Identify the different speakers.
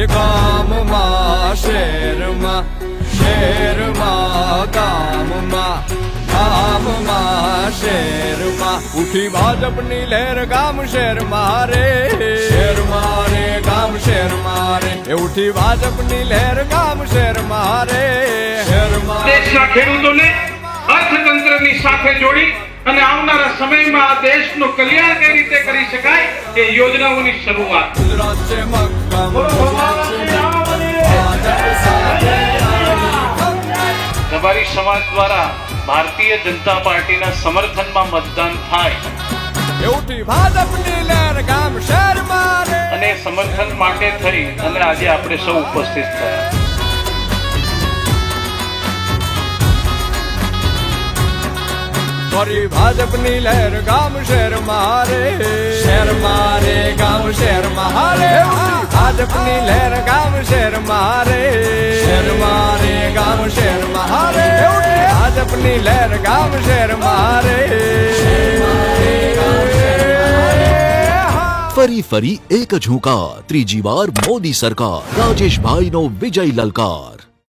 Speaker 1: એ ગામમાં શહેરમાં, શહેરમાં ગામમાં, ગામમાં શહેરમાં ઉઠી ભાજપની લહેર ગામ શહેર મારે, શહેર મારે ગામ શહેર મારે એ ઉઠી ભાજપની લહેર ગામ શહેર મારે, શહેર મારે.
Speaker 2: દેશના ખેડૂતોને અર્થતંત્રની સાથે જોડી અને આવનારા સમયમાં આ દેશનું કલ્યાણ કઈ રીતે કરી શકાય એ યોજનાઓની શરૂઆત.
Speaker 1: ગુજરાત છે મક્કમ,
Speaker 2: રબારી સમાજ દ્વારા ભારતીય જનતા પાર્ટીના સમર્થનમાં મતદાન થાય
Speaker 1: એ ઉઠી ભાજપની લહેર ગામ શહેર મારે
Speaker 2: અને સમર્થન માટે થઈ અને આજે આપણે સૌ ઉપસ્થિત થયા.
Speaker 1: ફરી ભાજપની લહેર ગામ શહેર મારે, શહેર મારે ગામ શહેર મારે ભાજપની લહેર ગામ શહેર મારે, શહેર મારે ગામ શહેર મારે ભાજપની લહેર ગામ શહેર મારે.
Speaker 3: ફરી ફરી એક જ હુંકાર, ત્રીજી વાર મોદી સરકાર, રાજેશભાઈનો વિજય લલકાર.